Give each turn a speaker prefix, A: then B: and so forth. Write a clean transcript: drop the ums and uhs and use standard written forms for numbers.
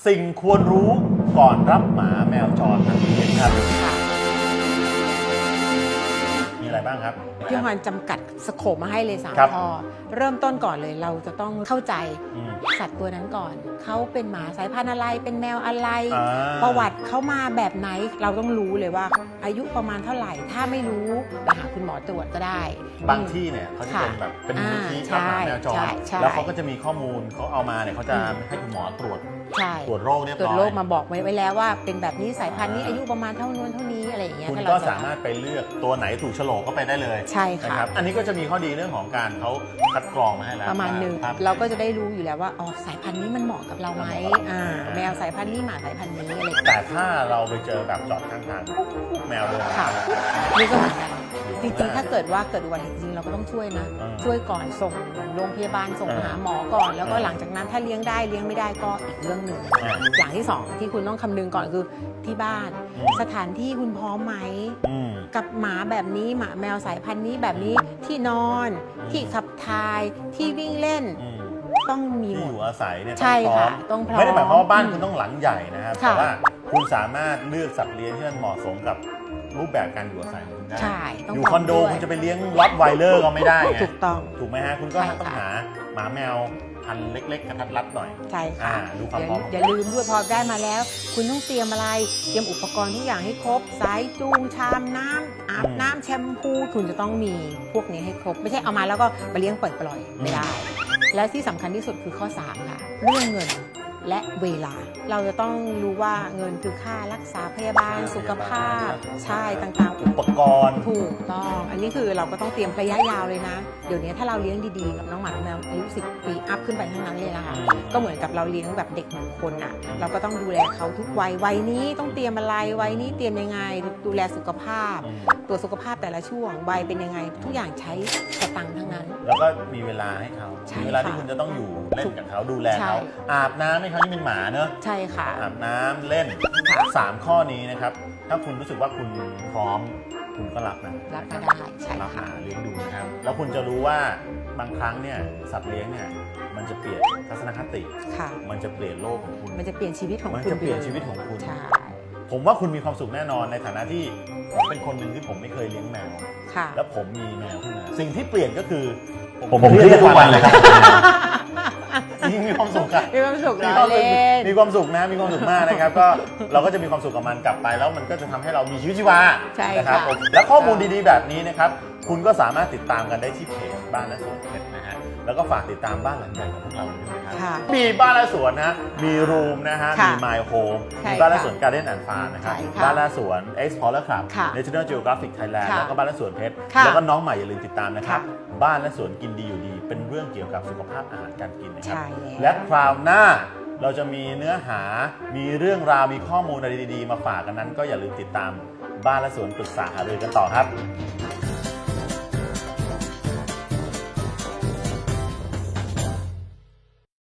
A: สิ่งควรรู้ก่อนรับหมาแมวจรทันทีครับมีอะไรบ้างครับ
B: พี่ฮอนจำกัดสโคปมาให้เลย3 ข้อเริ่มต้นก่อนเลยเราจะต้องเข้าใจสัตว์ตัวนั้นก่อนเขาเป็นหมาสายพันธุ์อะไรเป็นแมวอะไรประวัติเขามาแบบไหนเราต้องรู้เลยว่าอายุประมาณเท่าไหร่ถ้าไม่รู้ไปหาคุณหมอตรวจก็ได้
A: บางที่เนี่ยเขาจะเป็นแบบเป็นมูลนิธิรับหมาแมวจรแล้วเขาก็จะมีข้อมูลเขาเอามาเนี่ยเขาจะให้คุณหมอตรวจโรคเรียบร้อยตรวจ
B: โรคมาบอกไว้แล้วว่าเป็นแบบนี้สายพันธุ์นี้อายุประมาณเท่านู้นเท่านี้อะไรอย่างเงี้ย
A: คุณก็สามารถไปเลือกตัวไหนถูกโฉลกก็ไปได้เลย
B: ใช่ค่ะ
A: อันนี้ก็จะมีข้อดีเรื่องของการเขาคัดกรองมาให้แล้ว
B: ประมาณนึงเราก็จะได้รู้อยู่แล้วว่าอ๋อสายพันธุ์นี้มันเหมาะกับเราไหมแมวสายพันธุ์นี้หมาสายพันธุ์นี้อะไร
A: แต่ถ้าเราไปเจอแบบจอดข้างทางแมวเดิน
B: ค่ะนี่ก็เหมือนกันจริงๆถ้าเกิดว่าเกิดอุบัติเหตุจริงเราก็ต้องช่วยนะช่วยก่อนส่งโรงพยาบาลส่งหาหมอก่อนแล้วก็หลังจากนั้นถ้าเลี้ยงได้เลี้ยงไม่ได้ก็อีกเรื่องหนึ่งอย่างที่2ที่คุณต้องคำนึงก่อนคือที่บ้านสถานที่คุณพร้อมไหมกับหมาแบบนี้หมาแมวสายพันธุ์นี้แบบนี้ที่นอนที่ขับถ่ายที่วิ่งเล่นต้องมี
A: ที่อยู่อาศัยเนี่ย
B: ใช่ค่ะต้องพร้อม
A: ไม่ได้หมายความว่าบ้านคุณต้องหลังใหญ่นะครับแต่ว่าคุณสามารถเลือกสัตว์เลี้ยงที่มันเหมาะสมกับรูปแบบการอยู่อาศัยของคุณได้อยู่คอนโดคุณจะไปเลี้ยงล็อตไวเลอร์ก็ไม่ได้ไง
B: ถูกต้อง
A: ถูกไหมฮะคุณก็ต้องหาหมาแมวพันเล็กๆกระทัดรัดหน่อย
B: ใช่ค่ะ
A: ดูความพร้อม
B: อย่าลืมด้วยพอได้มาแล้วคุณต้องเตรียมอะไรเตรียมอุปกรณ์ทุกอย่างให้ครบสายจูงชามน้ำอาบน้ำแชมพูคุณจะต้องมีพวกนี้ให้ครบไม่ใช่เอามาแล้วก็มาเลี้ยงปล่อยไม่ได้และที่สำคัญที่สุดคือข้อ3ค่ะเรื่องเงินและเวลาเราจะต้องรู้ว่าเงินคือค่ารักษาพยาบาลสุขภาพใช่ต่างๆ
A: อุปกรณ์
B: ถูกต้องอันนี้คือเราก็ต้องเตรียมระยะยาวเลยนะเดี๋ยวนี้ถ้าเราเลี้ยงดีๆกับน้องหมาแมวอายุ10 ปีอัพขึ้นไปทั้งนั้นเลยนะคะก็เหมือนกับเราเลี้ยงแบบเด็ก1 คนอ่ะเราก็ต้องดูแลเขาทุกวัยนี้ต้องเตรียมอะไรวัยนี้เตรียมยังไงดูแลสุขภาพตรวจสุขภาพแต่ละช่วงวัยเป็นยังไงทุกอย่างใช้สตังค์ทั้งนั้น
A: แล้วก็มีเวลาให้เขามีเวลาที่คุณจะต้องอยู่เล่นกับเขาดูแลเขาอาบน้ำให้เขาที่เป็นหมาเนอะ
B: ใช่ค่ะ
A: อาบน้ำเล่น3 ข้อนี้นะครับถ้าคุณรู้สึกว่าคุณพร้อมคุณก็รับนะ
B: รับก็ได้ใช่
A: รับ
B: ค่ะ
A: เลี้ยงดูนะครับแล้วคุณจะรู้ว่าบางครั้งเนี่ยสัตว์เลี้ยงเนี่ยมันจะเปลี่ยนทัศนคติมันจะเปลี่ยนโลกของคุณ
B: มันจะเปลี่ยนชีวิตของคุณ
A: มันจะเปลี่ยนชีวิตของคุณ
B: ใช่
A: ผมว่าคุณมีความสุขแน่นอนในฐานะที่ผมเป็นคนหนึ่งที่ผมไม่เคยเลี้ยงแมวแล้วผมมีแมวขึ้นมาสิ่งที่เปลี่ยนก็คือ
C: ผมเครียดทุกวันเลยครับ
A: มีความสุขครับ
B: มีความสุข
A: มีความสุขนะมีความสุขมากนะครับก็เราก็จะมีความสุขกับมันกลับไปแล้วมันก็จะทำให้เรามีชีวิตชีวานะครับและข้อมูลดีๆแบบนี้นะครับคุณก็สามารถติดตามกันได้ที่เพจบ้านและสวนเพชรนะฮะแล้วก็ฝากติดตามบ้านหลังใหญ่ของพวกเราด้วยนะครับมีบ้านและสวนนะมีรูมนะฮะมี My Home มีบ้านและสวน Garden and Farm นะครับบ้านและสวน Explorer Club National Geographic Thailand แล้วก็บ้านและสวนเพชรแล้วก็น้องใหม่อย่าลืมติดตามนะครับบ้านและสวนกินดีอยู่ดีเป็นเรื่องเกี่ยวกับสุขภาพอาหารการกินนะครับและคราวหน้าเราจะมีเนื้อหามีเรื่องราวมีข้อมูลอะไรดีๆมาฝากกันนั้นก็อย่าลืมติดตามบ้านและสวนปรึกษาหารือกันต่อครับ